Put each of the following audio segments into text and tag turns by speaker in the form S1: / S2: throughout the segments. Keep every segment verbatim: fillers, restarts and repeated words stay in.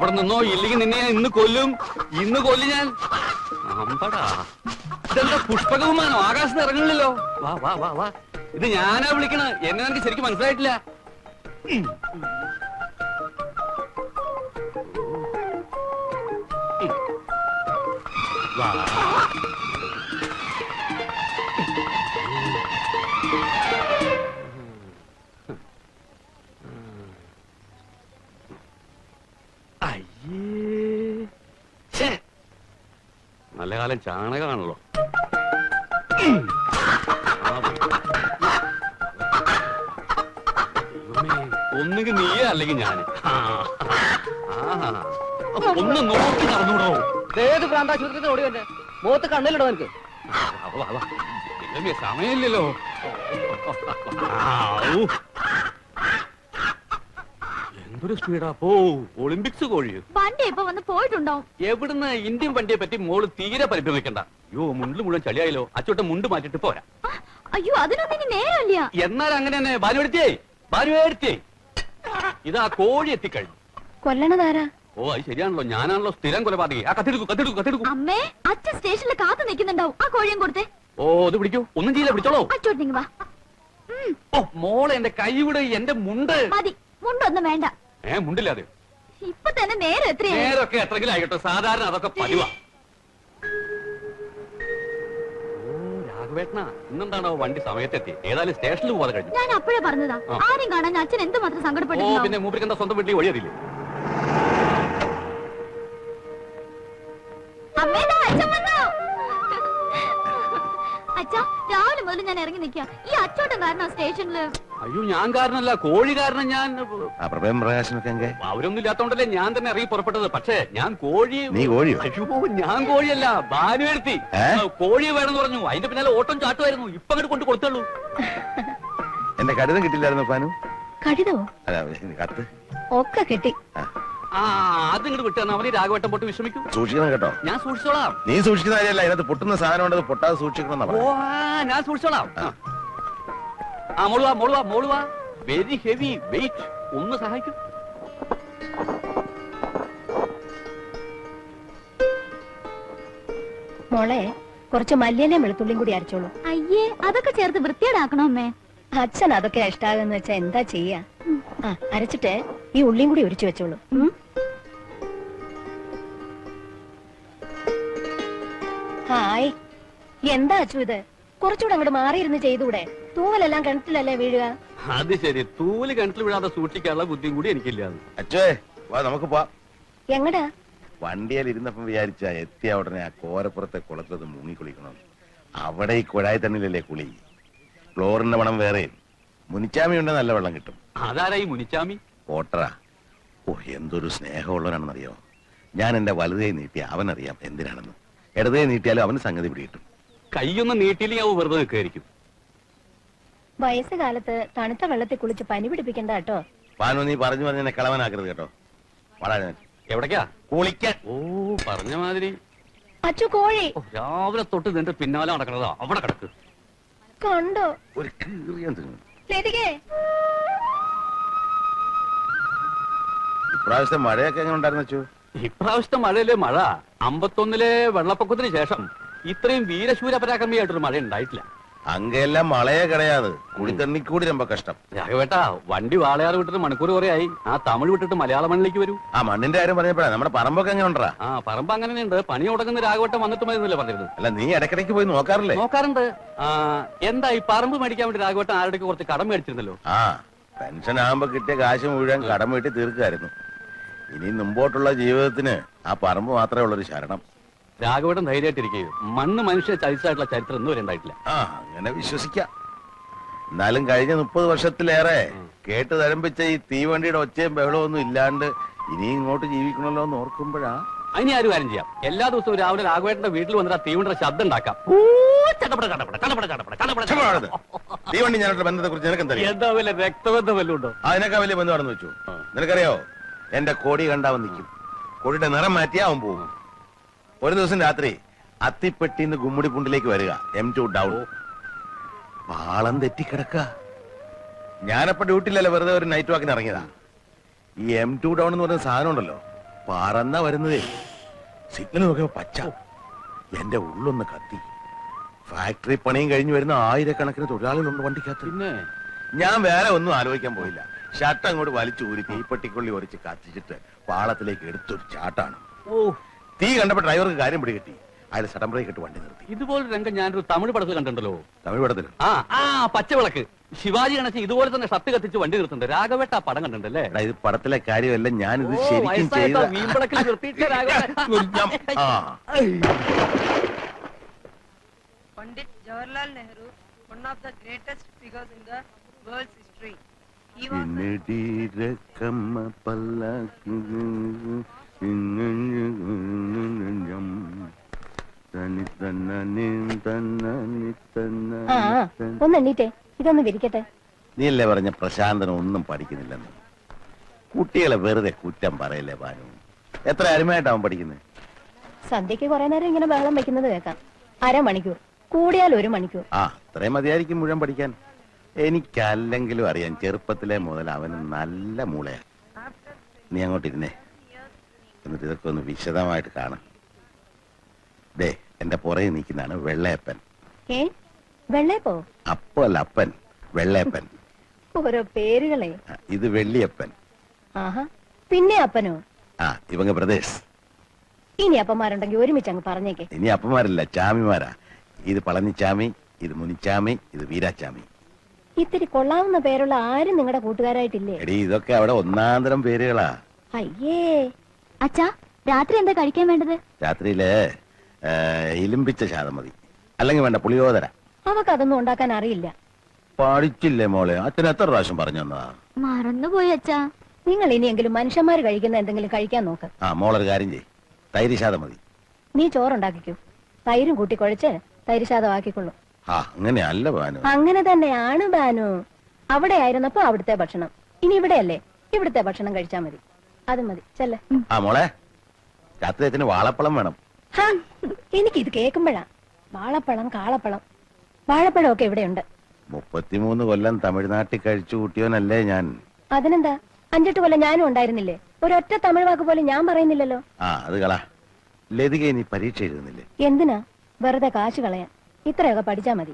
S1: അവിടെ നിന്നോ, ഇല്ലെങ്കിൽ നിന്നെ ഞാൻ ഇന്ന് കൊല്ലും. ഇന്ന് കൊല്ലും ഞാൻ. അമ്പടാ, ഇതെന്താ പുഷ്പകവുമാനോ? ആകാശത്ത് ഇറങ്ങണില്ലല്ലോ. വാ വാ വാ വാ. ഇത് ഞാനാ വിളിക്കണ. എന്നെ എനിക്ക് ശരിക്കും മനസ്സിലായിട്ടില്ല. വാ. നല്ല കാലം ചാണകമാണല്ലോ. ഒന്നുകിൽ നീയേ അല്ലെങ്കിൽ ഞാന്. ഒന്ന് നോക്കി നടന്നൂടോ.
S2: ഏത് പ്രാന്താശുപത്രി ഓടി വന്നെ മുഖത്ത് കണ്ണിലിടോ എനിക്ക്.
S1: സമയമില്ലല്ലോ. എന്തൊരു സ്പീഡാ പോ. ഒളിമ്പിക്സ് കോഴിയോ?
S3: വണ്ടി ഇപ്പൊ വന്ന് പോയിട്ടുണ്ടാവും.
S1: എവിടുന്ന്? ഇന്ത്യൻ വണ്ടിയെ പറ്റി മോള് തീരെ പരിഭ്രമിക്കണ്ട. അയ്യോ, മുണ്ടിൽ മുഴുവൻ ചളിയായല്ലോ. അച്ചോട്ടെ മുണ്ട് മാറ്റിട്ട് പോരാ.
S3: അയ്യോ, അതിനൊന്നും ഇനി നേരമില്ല.
S1: എന്നാൽ അങ്ങനെ തന്നെ. ഭാനുവെടുത്തേ, ഭാനുവെടുത്തേ. ഇതാ കോഴി എത്തിക്കഴിഞ്ഞു.
S3: കൊല്ലണതാരാ?
S1: ഓ, അത് ശരിയാണല്ലോ. ഞാനാണല്ലോ സ്ഥിരം കൊലപാതകി. ആ കത്തെടുക്കൂ, കത്തെടുക്കൂ, കത്തെടുക്കൂ.
S3: അമ്മേ, അച്ഛൻ സ്റ്റേഷനിൽ കാത്തു നിൽക്കുന്നുണ്ടാവും. ആ കോഴിയും കൊടുത്തേ.
S1: ഓ, ഇത് പിടിക്കൂ. ഒന്നും ചെയ്യില്ല, പിടിച്ചോളൂ.
S3: അച്ചോട്ടിങ് വാ.
S1: ഓ മോളെ, എന്റെ കൈ വിട്. എന്റെ മുണ്ട്
S3: മതി. മുണ്ടൊന്നും വേണ്ട.
S1: ഏ മുണ്ടില്ലാതെ
S3: ഇപ്പൊ തന്നെ നേരം എത്രയാ?
S1: നേരൊക്കെ എത്രങ്കിലും ആയിക്കോട്ടെ. സാധാരണ അതൊക്കെ പതിവാ. ഓ രാഘവേട്ടനാ, ഇന്നെന്താണോ വണ്ടി സമയത്തെത്തി? ഏതായാലും സ്റ്റേഷനിൽ പോകാതെ കഴിഞ്ഞു.
S3: ഞാൻ അപ്പോഴേ പറഞ്ഞതാ, ആരും കാണാൻ അച്ഛൻ എന്തുമാത്രം സങ്കടപ്പെട്ടു.
S1: ഓ പിന്നെ മൂപ്പർക്ക് എന്താ സ്വന്തം വീട്ടിൽ വഴിയതില്ലേ? അച്ഛാ, രാവിലെ മുതൽ ഞാൻ ഇറങ്ങി നിൽക്കാം. ഈ അച്ചോട്ടം കാരണം സ്റ്റേഷനില്. അയ്യോ, ഞാൻ കാരണല്ല, കോഴി കാരണം. ഞാൻ അവരൊന്നും ഇല്ലാത്തോണ്ടല്ലേ ഞാൻ തന്നെ ഇറങ്ങി പുറപ്പെട്ടത്. പക്ഷേ ഞാൻ കോഴി. അയ്യോ, ഞാൻ കോഴിയല്ല, ഭാനുവെടുത്തി. കോഴി വേണമെന്ന് പറഞ്ഞു. അതിന്റെ പിന്നാലെ ഓട്ടം ചാട്ടുമായിരുന്നു. ഇപ്പൊ അങ്ങോട്ട് കൊണ്ട് കൊടുത്തുള്ളൂ.
S4: എന്റെ കടിതം കിട്ടില്ലായിരുന്നു പാനു?
S3: കടിതമോ?
S4: കത്ത്
S3: ഒക്കെ കിട്ടി.
S1: ആ അത് ഇങ്ങോട്ട് വിട്ടാണ്. അവന് രാഘവട്ടം പൊട്ട് വിശ്രമിക്കും.
S4: സൂക്ഷിക്കണം കേട്ടോ.
S1: ഞാൻ സൂക്ഷിച്ചോളാം.
S4: നീ സൂക്ഷിക്കുന്ന കാര്യമല്ല, ഇതിനകത്ത് പൊട്ടുന്ന സാധനം ഉണ്ടത് പൊട്ടാതെ സൂക്ഷിക്കണം.
S1: ഓ ഞാൻ സൂക്ഷിച്ചോളാം. ആ മോളുവാ, മോളുവാ, മോളുവാ. Very heavy weight. ഒന്ന് സഹായിക്കും.
S3: മോളെ, കുറച്ച് മല്ലിയിലയും വെളുത്തുള്ളിയും കൂടി അരച്ചോളൂ. അയ്യേ, അതൊക്കെ ചേർത്ത് വൃത്തിയേടാക്കണോ അമ്മേ? അച്ഛൻ അതൊക്കെ ഇഷ്ടാകുന്ന വെച്ചാ എന്താ ചെയ്യാ? ആ അരച്ചിട്ട് ഈ ഉള്ളിയും കൂടി ഒരിച്ചു വെച്ചോളൂ. ഹായ്, എന്താ അച്ചു ഇത്? കുറച്ചുകൂടെ അങ്ങോട്ട് മാറിയിരുന്ന് ചെയ്തൂടെ? തൂവലെല്ലാം കിണറ്റിലല്ലേ വീഴുക?
S1: അത് ശരി, തൂവല് കിണറ്റിൽ വീഴാതെ സൂക്ഷിക്കാനുള്ള ബുദ്ധിയും കൂടി എനിക്കില്ല.
S4: അച്ഛേ വാ, നമുക്ക് പോവാം.
S3: എങ്ങടാ?
S4: വണ്ടിയിൽ ഇരുന്നപ്പം വിചാരിച്ച എത്തിയ ഉടനെ ആ കോരപ്പുറത്തെ കുളത്തത് മുങ്ങി കുളിക്കണം. അവിടെ ഈ കുഴായി തണ്ണിലല്ലേ കുളി. ഫ്ലോറിന്റെ മണം വേറെ. മുനിച്ചാമി ഉണ്ട്, നല്ല വെള്ളം കിട്ടും.
S1: അതാരായി മുനിച്ചാമി?
S4: ഓട്ടറാ. ഓ എന്തൊരു സ്നേഹമുള്ളവനാണെന്നറിയോ. ഞാൻ എന്റെ വലുതേ നീട്ടിയ അവനറിയാം എന്തിനാണെന്ന്. ഇടതേ നീട്ടിയാലും അവന് സംഗതി പിടികിട്ടും.
S1: കൈയൊന്നും നീട്ടിയില്ലെങ്കിൽ അവ വെറുതെ നിൽക്കായിരിക്കും.
S3: വയസ്സുകാലത്ത് തണുത്ത വെള്ളത്തിൽ കുളിച്ച് പനി പിടിപ്പിക്കണ്ട കേട്ടോ.
S4: പാനു, നീ പറഞ്ഞു പറഞ്ഞ എന്നെ കളവനാക്കരുത് കേട്ടോ. വളരെ
S1: എവിടേക്കാ?
S4: കുളിക്കാൻ.
S1: ഓ പറഞ്ഞ മാതിരി.
S3: അച്ചു കോഴി
S1: രാവിലെ തൊട്ട് നിന്റെ പിന്നാലെ നടക്കണതാ. അവിടെ കിടക്ക്.
S3: കണ്ടോ?
S4: ഒരു കീറിയാൻ തിന്നു. ഇപ്രാവശ്യത്തെ മഴയൊക്കെ എങ്ങനെ ഉണ്ടായിരുന്നു വെച്ചു?
S1: ഇപ്രാവശ്യത്തെ മഴയിലെ മഴ അമ്പത്തൊന്നിലെ വെള്ളപ്പൊക്കത്തിന് ശേഷം ഇത്രയും വീരശൂര പരാക്രമിയായിട്ടൊരു മഴ ഉണ്ടായിട്ടില്ല.
S4: അങ്ങെല്ലാം മഴയെ കിടയാത്. കുടിത്തണ്ണിക്കൂടി രമ്പ കഷ്ടം.
S1: രാഘവേട്ടാ, വണ്ടി വാളയാറ് വിട്ടിട്ട് മണിക്കൂർ കുറെ ആയി. ആ തമിഴ് വിട്ടിട്ട് മലയാള മണ്ണിലേക്ക് വരൂ.
S4: ആ മണ്ണിന്റെ കാര്യം പറഞ്ഞപ്പോഴാ നമ്മുടെ പറമ്പൊക്കെ എങ്ങനെ ഉണ്ടാ?
S1: ആ പറമ്പ് അങ്ങനെയുണ്ട്. പണി തുടങ്ങുന്ന രാഘവട്ടം വന്നിട്ട് മതിയെന്നല്ലേ പറഞ്ഞിരുന്നു.
S4: അല്ല, നീ ഇടയ്ക്കിടയ്ക്ക് പോയി നോക്കാറില്ലേ?
S1: നോക്കാറുണ്ട്. ആ എന്താ ഈ പറമ്പ് മേടിക്കാൻ വേണ്ടി രാഘവട്ടം ആരുടെ കുറച്ച് കടം മേടിച്ചിരുന്നല്ലോ?
S4: ആ പെൻഷൻ ആകുമ്പോ കിട്ടിയ കാശ് മുഴുവൻ കടം വീട്ടി തീർക്കായിരുന്നു. ഇനി മുമ്പോട്ടുള്ള ജീവിതത്തിന് ആ പറമ്പ് മാത്രമേ ഉള്ളൊരു ശരണം.
S1: രാഘവട്ടം ധൈര്യമായിട്ടിരിക്കുകയും മണ്ണ് മനുഷ്യ ചരിച്ചായിട്ടുള്ള ചരിത്രം ഒന്നും വരെ ഉണ്ടായിട്ടില്ല.
S4: ആ അങ്ങനെ വിശ്വസിക്കാം. എന്നാലും കഴിഞ്ഞ മുപ്പത് വർഷത്തിലേറെ കേട്ട് തരംപിച്ച ഈ തീവണ്ടിയുടെ ഒച്ചയും ബഹളവും ഒന്നും ഇല്ലാണ്ട് ഇനി ഇങ്ങോട്ട് ജീവിക്കണല്ലോ എന്ന് ഓർക്കുമ്പോഴാ.
S1: അതിന് ആരും കാര്യം ചെയ്യാം. എല്ലാ ദിവസവും രാവിലെ രാഘവേട്ടന്റെ വീട്ടിൽ വന്നിട്ട് ആ തീവണ്ടിയുടെ ശബ്ദം ഉണ്ടാക്കാം.
S4: തീവണ്ടി ഞാനുള്ള ബന്ധത്തെ കുറിച്ച് നിനക്ക്
S1: എന്താ വല്ല രക്തബന്ധം വല്ലതും ഉണ്ടോ?
S4: അതിനൊക്കെ വലിയ ബന്ധമാണെന്ന് വെച്ചു. നിനക്കറിയോ, എന്റെ കൊടി കണ്ടാവൻ നിൽക്കും. കൊടിയുടെ നിറം മാറ്റിയാ അവൻ പോകും. ഒരു ദിവസം രാത്രി അത്തിപ്പെട്ടിന്ന് ഗുമ്മുടിപ്പുണ്ടിലേക്ക് വരിക, എം ടു ഡൗൺ. പാളം തെറ്റിക്കിടക്ക. ഞാനപ്പോ ഡ്യൂട്ടിയിലല്ല, വെറുതെ ഒരു നൈറ്റ് വാക്കിന് ഇറങ്ങിയതാ. ഈ എം ടു ഡൗൺ എന്ന് പറയുന്ന സാധനം ഉണ്ടല്ലോ, പറന്ന വരുന്നതേ. സിഗ്നൽ നോക്കിയപ്പോ പച്ച. എന്റെ ഉള്ളൊന്ന് കത്തി. ഫാക്ടറി പണിയും കഴിഞ്ഞു വരുന്ന ആയിരക്കണക്കിന് തൊഴിലാളികളുണ്ട് വണ്ടിക്കകത്ത്.
S1: പിന്നെ
S4: ഞാൻ വേറെ ഒന്നും ആലോചിക്കാൻ പോയില്ല. ഷർട്ട് അങ്ങോട്ട് വലിച്ചു ഊരി തീപ്പെട്ടിക്കൊള്ളി ഒരച്ച് കത്തിച്ചിട്ട് പാളത്തിലേക്ക് എടുത്തൊരു ചാട്ടാണ്.
S1: ഓ,
S4: തീ കണ്ടപ്പോ ഡ്രൈവർക്ക് കാര്യം പിടികിട്ടി. അയാൾ സഡൻ ബ്രേക്ക് ഇട്ട് വണ്ടി നിർത്തി.
S1: ഇതുപോലെ രംഗം ഞാനൊരു തമിഴ് പടത്തിൽ കണ്ടിട്ടുണ്ടല്ലോ.
S4: തമിഴ് പടത്തിൽ
S1: ആ ആ പച്ചവിളക്ക് ശിവാജി ഗണേശൻ ഇതുപോലെ തന്നെ ഷർട്ട് കത്തിച്ച് വണ്ടി നിർത്തുന്നുണ്ട്. രാഘവേട്ട ആ പടം കണ്ടിട്ടുണ്ടല്ലേ?
S4: എടാ, ഇത് പടത്തിലെ കാര്യമല്ല, ഞാനിത്
S1: ഓ,
S4: ശരിക്കും
S1: വയസ്സായിട്ടോ,
S4: ചെയ്ത
S1: വീമ്പളക്കിൽ നിർത്തിയിട്ട രാഘവേട്ട.
S4: ആ.
S5: Pandit Jawaharlal Nehru, one of the greatest figures in the world's history. He was the
S4: ഇന്നടിരക്കമ്മ പല്ലക്ക് ഇന്നഞ്ഞം തനി തന്നനി തന്നനി
S3: ആ
S4: തന്ന.
S3: ഒന്ന് എണ്ണീറ്റേ, ഇതൊന്ന് വിരിക്കട്ടെ.
S4: നീയല്ലേ പറഞ്ഞ പ്രശാന്തൻ ഒന്നും പഠിക്കുന്നില്ലെന്ന്. കുട്ടികളെ വെറുതെ കുറ്റം പറയല്ലേ ഭാനു. എത്ര അരുമയായിട്ടാവും പഠിക്കുന്നത്.
S3: സന്ധ്യക്ക് കുറെ നേരം ഇങ്ങനെ ബഹളം വെക്കുന്നത് കേൾക്കാം. അരമണിക്കൂർ, കൂടിയാൽ ഒരു മണിക്കൂർ.
S4: ആ അത്രയും മതിയായിരിക്കും മുഴുവൻ പഠിക്കാൻ. എനിക്കല്ലെങ്കിലും അറിയാം, ചെറുപ്പത്തിലെ മുതൽ അവന് നല്ല മൂളയാ. നീ അങ്ങോട്ടിരുന്നേ, എന്നിട്ട് ഇതൊക്കെ ഒന്ന് വിശദമായിട്ട് കാണാം. ദേ, എന്റെ പുറകെ നിൽക്കുന്നതാണ് വെള്ളയപ്പൻ.
S3: ഏ വെള്ളയപ്പോ?
S4: അപ്പോ അല്ല, അപ്പൻ, വെള്ളയപ്പൻ.
S3: ഓരോ പേരുകളെ.
S4: ആ, ഇത് വെള്ളിയപ്പൻ.
S3: ആഹാ, പിന്നെ അപ്പനോ?
S4: ആ, ഇവங்க പ്രദേശ്.
S3: ഇനി അപ്പന്മാരുണ്ടെങ്കിൽ ഒരുമിച്ച് അങ്ങ് പറഞ്ഞേക്കെ.
S4: ഇനി അപ്പന്മാരല്ല, ചാമിമാരാ. ഇത് പളനിച്ചാമി, ഇത് മുനിച്ചാമി, ഇത് വീരാച്ചാമി.
S3: ഇത്തിരി കൊള്ളാവുന്ന പേരുള്ള ആരും നിങ്ങളുടെ കൂട്ടുകാരായിട്ടില്ലേ?
S4: എടീ, ഇതൊക്കെ അവിടെ ഒന്നാന്തരം പേരുകളാ.
S3: അയ്യേ.
S6: അച്ഛാ, രാത്രി എന്താ കഴിക്കാൻ വേണ്ടത്?
S4: രാത്രിയില് ഏ, ഇലിമ്പിച്ച ശാതം മതി, അല്ലെങ്കിൽ വേണ്ട പുളിയോദര.
S3: അവക്ക് അതൊന്നും ഉണ്ടാക്കാൻ അറിയില്ല.
S4: പഠിച്ചില്ലേ മോളെ? അച്ഛൻ എത്ര പ്രാവശ്യം പറഞ്ഞു തന്നതാ.
S6: മറന്നുപോയി അച്ഛാ.
S3: നിങ്ങൾ ഇനിയെങ്കിലും മനുഷ്യന്മാര് കഴിക്കുന്ന എന്തെങ്കിലും കഴിക്കാൻ നോക്ക്.
S4: ആ, മോളൊരു കാര്യം ചെയ്, തൈര് ശാതം മതി.
S3: നീ ചോറുണ്ടാക്കിക്കൂ, തൈരും കൂട്ടി കുഴച്ച് തൈര് ശാതമാക്കിക്കൊള്ളു.
S4: ആ, അങ്ങനെയല്ല ഭാനു.
S3: അങ്ങനെ തന്നെയാണ് ബാനു. അവിടെ ആയിരുന്നപ്പോ അവിടുത്തെ ഭക്ഷണം, ഇനി ഇവിടെയല്ലേ, ഇവിടുത്തെ ഭക്ഷണം കഴിച്ചാ മതി. അത് മതി, ചെല്ലേ.
S4: ആ മോളെ, രാത്രി അച്ഛന് വാഴപ്പളം വേണം.
S3: എനിക്കിത് കേൾക്കുമ്പോഴാ വാഴപ്പഴം, കാളപ്പഴം, വാഴപ്പഴം ഒക്കെ ഇവിടെയുണ്ട്.
S4: മുപ്പത്തിമൂന്ന് കൊല്ലം തമിഴ്നാട്ടിൽ കഴിച്ചു കൂട്ടിയോനല്ലേ ഞാൻ.
S3: അതിനെന്താ, അഞ്ചെട്ട് കൊല്ലം ഞാനും ഉണ്ടായിരുന്നില്ലേ? ഒരൊറ്റ തമിഴ് വാക്ക് പോലും ഞാൻ പറയുന്നില്ലല്ലോ.
S4: ആ, അത് കളാ. ലതിക നീ പരീക്ഷ എഴുതുന്നില്ലേ?
S3: എന്തിനാ വെറുതെ കാശ് കളയാൻ? ഇത്രയൊക്കെ പഠിച്ചാ മതി.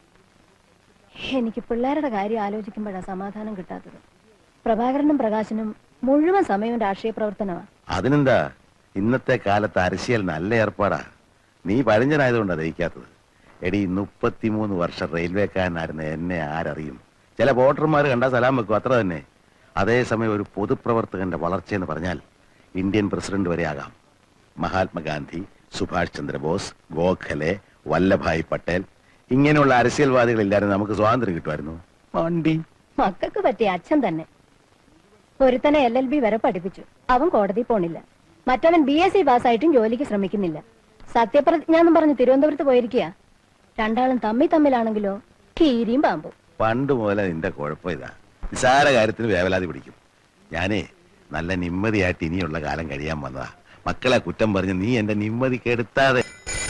S3: എനിക്ക് പിള്ളേരുടെ കാര്യം ആലോചിക്കുമ്പോഴാ സമാധാനം കിട്ടാത്തത്. പ്രഭാകരനും പ്രകാശനും മുഴുവൻ സമയവും രാഷ്ട്രീയ പ്രവർത്തനമാ.
S4: അതിനെന്താ, ഇന്നത്തെ കാലത്ത് അരശിയൽ നല്ല ഏർപ്പാടാ. നീ പഴഞ്ചനായതുകൊണ്ടാ ദഹിക്കാത്തത്. എടി, മുപ്പത്തിമൂന്ന് വർഷം റെയിൽവേക്കാരനായിരുന്ന എന്നെ ആരറിയും? ചില വോട്ടർമാർ കണ്ടാ സലാം വെക്കും, അത്ര തന്നെ. അതേസമയം ഒരു പൊതുപ്രവർത്തകന്റെ വളർച്ചയെന്ന് പറഞ്ഞാൽ ഇന്ത്യൻ പ്രസിഡന്റ് വരെ ആകാം. മഹാത്മാഗാന്ധി, സുഭാഷ് ചന്ദ്രബോസ്, ഗോഖലെ, വല്ലഭായ് പട്ടേൽ, ഇങ്ങനെയുള്ള അരസ്യൽവാദികളില്ലായിരുന്നു നമുക്ക് സ്വാതന്ത്ര്യം കിട്ടുമായിരുന്നു. വണ്ടി
S3: മക്കൾക്ക് പറ്റിയ അച്ഛൻ തന്നെ. ഒരുത്തനെ എൽ എൽ ബി വരെ പഠിപ്പിച്ചു, അവൻ കോടതി പോണില്ല. മറ്റവൻ ബി എസ് സി പാസ്സായിട്ടും ജോലിക്ക് ശ്രമിക്കുന്നില്ല. സത്യപ്രതിജ്ഞ എന്നും പറഞ്ഞ് തിരുവനന്തപുരത്ത് പോയിരിക്കുക. രണ്ടാളും തമ്മി തമ്മിലാണെങ്കിലോ കീരിയും പാമ്പും.
S4: പണ്ട് മുതലേ നിന്റെ കുഴപ്പം ഇതാ, നിസാര കാര്യത്തിന് വേവലാതി പിടിക്കും. ഞാനേ നല്ല നിമ്മതിയായിട്ട് ഇനിയുള്ള കാലം കഴിയാൻ വന്നതാ. മക്കളെ കുറ്റം പറഞ്ഞ് നീ എന്റെ നിമ്മതി കെടുത്താതെ.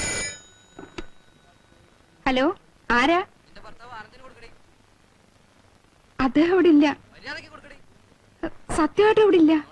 S7: ഹലോ, ആരാ? അദ്ദേഹം അവിടെ ഇല്ല. സത്യമായിട്ട് അവിടെ ഇല്ല.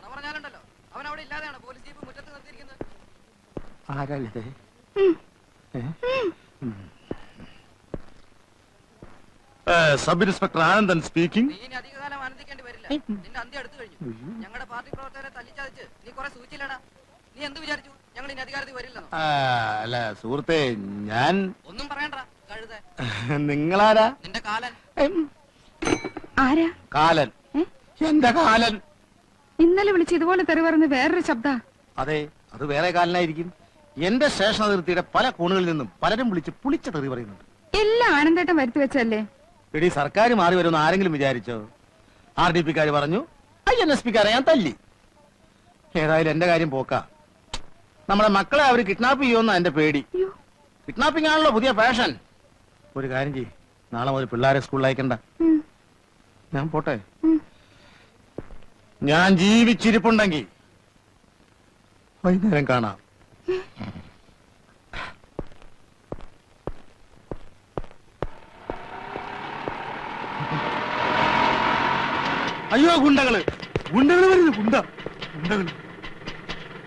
S8: Sub inspector Anandan speaking.
S5: നീ ഇനി അധികകാലം ആനന്ദിക്കേണ്ടി വരില്ല. നിന്റെ അന്ത്യം അടുത്തു കഴിഞ്ഞു. ഞങ്ങളുടെ പാർട്ടി പ്രവർത്തകരെ തല്ലിച്ചതച്ച് നീ കുറെ സൂചിച്ചില്ലടാ. നീ എന്ത് വിചാരിച്ചു ഞങ്ങൾ ഇനി അധികാരത്തിൽ വരില്ലെന്നോ?
S8: അല്ല സുഹൃത്തെ, ഞാൻ
S5: ഒന്നും പറയണ്ട കഴുത.
S8: നിങ്ങളാരാ?
S5: നിന്റെ കാലൻ.
S7: ആരാ?
S8: കാലൻ. എന്റെ കാലൻ.
S7: ഇന്നലെ വിളിച്ച് ഇതുപോലെ തെറി പറഞ്ഞ് വേറൊരു ശബ്ദ.
S8: അതെ, അത് വേറെ കാലനായിരിക്കും. എന്റെ സ്റ്റേഷൻ അതിർത്തിയുടെ പല കോണുകളിൽ നിന്നും പലരും വിളിച്ച് പുളിച്ച തെറി പറയുന്നുണ്ട്.
S7: എല്ലാം ആനന്ദേട്ടം വരുത്തി വെച്ചല്ലേ?
S8: എടി, സർക്കാർ മാറി വരുമെന്ന് ആരെങ്കിലും വിചാരിച്ചോ? ആർ ഡി പിക്കാര് പറഞ്ഞു, ഐ എൻ എസ് പിക്കാരെ ഞാൻ തല്ലി. ഏതായാലും എന്റെ കാര്യം പോക്കാ. നമ്മുടെ മക്കളെ അവര് കിഡ്നാപ്പ് ചെയ്യുമെന്നാ എന്റെ പേടി. കിഡ്നാപ്പിംഗ് ആണല്ലോ പുതിയ ഫാഷൻ. ഒരു കാര്യം ചെയ്യ്, നാളെ മുതൽ പിള്ളേരെ സ്കൂളിൽ അയക്കണ്ട. ഞാൻ പോട്ടെ. ഞാൻ ജീവിച്ചിരിപ്പുണ്ടെങ്കിൽ വൈകുന്നേരം കാണാം. അയ്യോ, ഗുണ്ടകള് ഗുണ്ടകള് വരുന്നു. ഗുണ്ട ഗുണ്ടകള്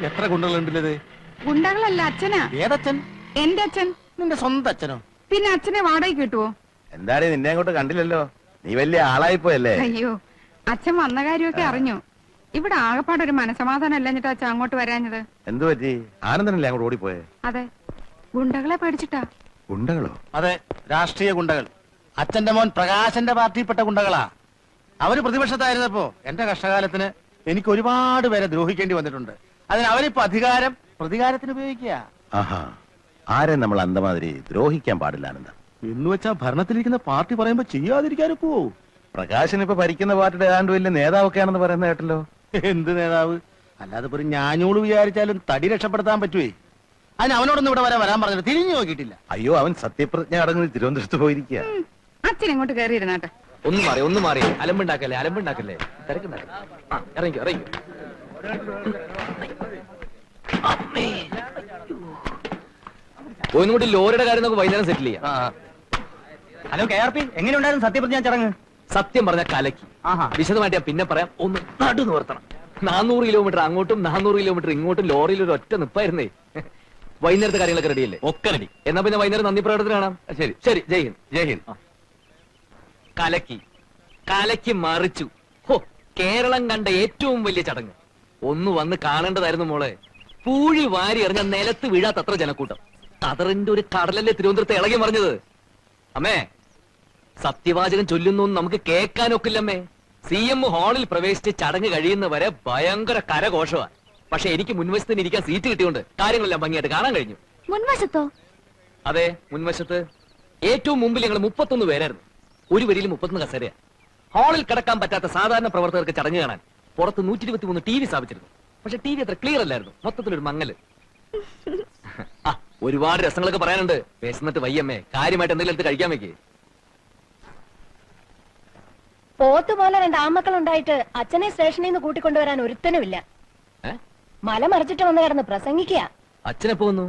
S8: എത്ര ഗുണ്ടകളുണ്ടല്ലേ?
S7: ഗുണ്ടകളല്ല, അച്ഛനാ.
S8: ഏതച്ഛൻ?
S7: എന്റെ അച്ഛൻ.
S8: നിന്റെ സ്വന്തം അച്ഛനോ?
S7: പിന്നെ അച്ഛനെ വാടകയ്ക്ക് കിട്ടുവോ?
S4: എന്തായാലും നിന്നെ അങ്ങോട്ട് കണ്ടില്ലല്ലോ, നീ വലിയ ആളായിപ്പോയല്ലേ?
S7: അയ്യോ, അച്ഛൻ വന്ന കാര്യമൊക്കെ അറിഞ്ഞു. ഇവിടെ ആകപ്പാടൊരു മനസമാധാനം അല്ലഞ്ഞിട്ട് അച്ഛൻ അങ്ങോട്ട് വരാഞ്ഞത്.
S4: എന്തു പറ്റി? ആനന്ദനല്ലേ അങ്ങോട്ട് ഓടിപ്പോയെ?
S7: അതെ, ഗുണ്ടകളെ പേടിച്ചിട്ടാ.
S4: ഗുണ്ടകളോ?
S8: അതെ, രാഷ്ട്രീയ ഗുണ്ടകൾ. അച്ഛന്റെ മോൻ പ്രകാശന്റെ പാർട്ടിയിൽപ്പെട്ട ഗുണ്ടകളാ. അവര് പ്രതിപക്ഷത്തായിരുന്നപ്പോ എന്റെ കഷ്ടകാലത്തിന് എനിക്ക് ഒരുപാട് പേരെ ദ്രോഹിക്കേണ്ടി വന്നിട്ടുണ്ട്. അതിന് അവരിപ്പോ അധികാരം പ്രതികാരത്തിന് ഉപയോഗിക്കുക.
S4: ആഹാ, ആരെ നമ്മൾ അന്തമാതിരി ദ്രോഹിക്കാൻ പാടില്ല ആനന്ദ.
S8: എന്ന് വെച്ചാ ഭരണത്തിലിരിക്കുന്ന പാർട്ടി പറയുമ്പോ ചെയ്യാതിരിക്കാനും പോവോ?
S4: പ്രകാശൻ ഇപ്പൊ ഭരിക്കുന്ന പാർട്ടിയുടെ ഏതാണ്ട് വലിയ നേതാവൊക്കെ ആണെന്ന് പറയുന്ന കേട്ടല്ലോ.
S8: എന്ത് നേതാവ്? അല്ലാതെ ഒരു ഞാഞ്ഞൂട് വിചാരിച്ചാലും തടി രക്ഷപ്പെടുത്താൻ പറ്റുവേ. അതിന് അവനോടൊന്നും ഇവിടെ വരാൻ വരാൻ പറഞ്ഞിട്ട് തിരിഞ്ഞു നോക്കിയിട്ടില്ല.
S4: അയ്യോ, അവൻ സത്യപ്രതിജ്ഞ അടങ്ങി തിരുവനന്തപുരത്ത് പോയിരിക്കുക.
S7: അച്ഛൻ ഇങ്ങോട്ട് കയറിയിരുന്നാട്ടെ.
S2: ഒന്ന് മാറി ഒന്ന് മാറി അലമ്പുണ്ടാക്കല്ലേ അലമ്പുണ്ടാക്കല്ലേ തിരക്കുണ്ടാക്കല്ലേ. ആ ഇറങ്ങിക്കോ ഇറങ്ങിക്കോ. ഒന്നും കൂടി ലോറിയുടെ കാര്യം നമുക്ക് വൈകുന്നേരം സെറ്റിൽ ചെയ്യാം.
S8: ഹലോ കെ ആർ പി, എങ്ങനെയുണ്ടായിരുന്നു സത്യപ്രതിജ്ഞ ചടങ്ങ്?
S2: സത്യം പറഞ്ഞ കലക്കി. വിശദമായിട്ട് ഞാൻ പിന്നെ പറയാം. ഒന്ന് നടു നിവർത്തണം. നാനൂറ് കിലോമീറ്റർ അങ്ങോട്ടും നാനൂറ് കിലോമീറ്റർ ഇങ്ങോട്ടും ലോറിയിൽ ഒരു ഒറ്റ നിപ്പായിരുന്നേ. വൈകുന്നേരത്തെ കാര്യങ്ങളൊക്കെ റെഡിയല്ലേ? ഒക്കെ റെഡി. എന്നാ പിന്നെ വൈകുന്നേരം നന്ദി പ്രകടനത്തിന് കാണാം. ശരി ശരി. ജയ് ഹിന്ദ്. ജയ് ഹിന്ദ്. കലക്കി കലക്കി മറിച്ചു. ഹോ, കേരളം കണ്ട ഏറ്റവും വലിയ ചടങ്ങ്. ഒന്ന് വന്ന് കാണേണ്ടതായിരുന്നു മോളെ. പൂഴി വാരി എറിഞ്ഞ നിലത്ത് വീഴാത്തത്ര ജനക്കൂട്ടം. കതറിന്റെ ഒരു കടലല്ലേ തിരുവനന്തപുരത്ത് ഇളകി മറിഞ്ഞത്. അമ്മേ, സത്യവാചകം ചൊല്ലുന്നു നമുക്ക് കേൾക്കാനൊക്കില്ലമ്മേ. സി എം ഹാളിൽ പ്രവേശിച്ച് ചടങ്ങ് കഴിയുന്നവരെ ഭയങ്കര കരഘോഷമാണ്. പക്ഷെ എനിക്ക് മുൻവശത്തിന് ഇരിക്കാൻ സീറ്റ് കിട്ടിയോണ്ട് കാര്യങ്ങളെല്ലാം ഭംഗിയായിട്ട് കാണാൻ കഴിഞ്ഞു.
S6: മുൻവശത്തോ?
S2: അതെ, മുൻവശത്ത്. ഏറ്റവും മുമ്പിൽ ഞങ്ങൾ മുപ്പത്തൊന്ന് പേരായിരുന്നു. ഒരു വരിയിൽ മുപ്പത്തൊന്ന് കസേരയാ. ഹാളിൽ കിടക്കാൻ പറ്റാത്ത സാധാരണ പ്രവർത്തകർക്ക് ചടങ്ങ് കാണാൻ പുറത്ത് നൂറ്റി ഇരുപത്തി മൂന്ന് ടി വി സ്ഥാപിച്ചിരുന്നു. പക്ഷെ ടി വി അത്ര ക്ലിയർ അല്ലായിരുന്നു. മൊത്തത്തിലൊരു മങ്ങല്. ആ, ഒരുപാട് രസങ്ങളൊക്കെ പറയാനുണ്ട്. വിശന്നിട്ട് വയ്യമ്മേ, കാര്യമായിട്ട് എന്തെങ്കിലും എടുത്ത് കഴിക്കാൻ വെക്കേ.
S3: പോത്ത് പോലെ രണ്ട് ആമക്കളുണ്ടായിട്ട് അച്ഛനെ സ്റ്റേഷനിൽ നിന്ന് കൂട്ടിക്കൊണ്ടുവരാൻ ഒരുത്തനുമില്ല. മല മറിച്ചിട്ട് വന്ന് കിടന്ന് പ്രസംഗിക്കുക.
S2: അച്ഛനെപ്പോ വന്നു?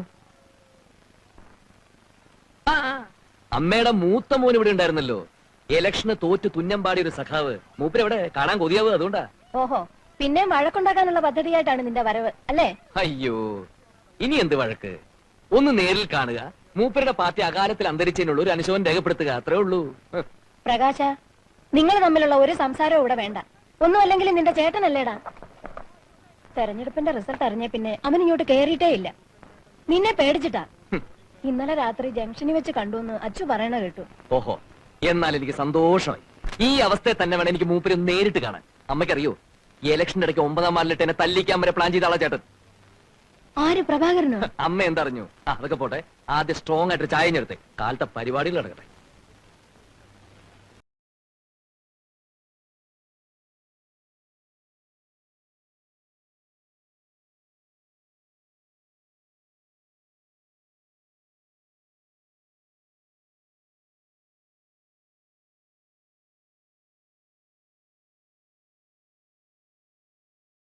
S2: അമ്മയുടെ മൂത്ത മോൻ ഇവിടെ ഉണ്ടായിരുന്നല്ലോ. ഇലക്ഷന് തോറ്റ് തുന്നമ്പാടിയ ഒരു സഖാവ്. മൂപ്പരെവിടെ? കാണാൻ കൊതിയാവ്. അതുകൊണ്ടാ.
S3: ഓഹോ, പിന്നെ വഴക്കുണ്ടാക്കാനുള്ള പദ്ധതിയായിട്ടാണ് നിന്റെ വരവ് അല്ലേ?
S2: അയ്യോ, ഇനി എന്ത് വഴക്ക്? ഒന്ന് നേരിൽ കാണുക, മൂപ്പരുടെ പാർട്ടി അകാലത്തിൽ അന്തരിച്ചതിനുള്ള ഒരു അനുശോചനം രേഖപ്പെടുത്തുക, അത്രേ ഉള്ളൂ.
S3: പ്രകാശ, നിങ്ങൾ തമ്മിലുള്ള ഒരു സംസാരവും ഇവിടെ വേണ്ട. ഒന്നും അല്ലെങ്കിൽ നിന്റെ ചേട്ടനല്ലേടാ. തെരഞ്ഞെടുപ്പിന്റെ റിസൾട്ട് അറിഞ്ഞ പിന്നെ അവൻ ഇങ്ങോട്ട് കേറിയിട്ടേ ഇല്ല. നിന്നെ പേടിച്ചിട്ടാ. ഇന്നലെ രാത്രി ജംഗ്ഷനിൽ വെച്ച് കണ്ടു എന്ന് അച്ചു പറയണ കേട്ടു.
S2: ഓഹോ, എന്നാൽ എനിക്ക് സന്തോഷമായി. ഈ അവസ്ഥയെ തന്നെ വേണം എനിക്ക് മൂപ്പരെ നേരിട്ട് കാണാൻ. അമ്മയ്ക്കറിയോ, ഈ ഇലക്ഷന്റെ ഇടയ്ക്ക് ഒമ്പതാം വാർഡിലിട്ട് എന്നെ തല്ലിക്കാൻ വരെ പ്ലാൻ ചെയ്ത ആളാ ചേട്ടൻ.
S3: ആര്, പ്രഭാകരനോ?
S2: അമ്മ എന്തറിഞ്ഞു? അതൊക്കെ പോട്ടെ, ആദ്യം സ്ട്രോങ് ആയിട്ട് ചായ ഞെടുത്തേ. കാലത്തെ പരിപാടികൾ നടക്കട്ടെ.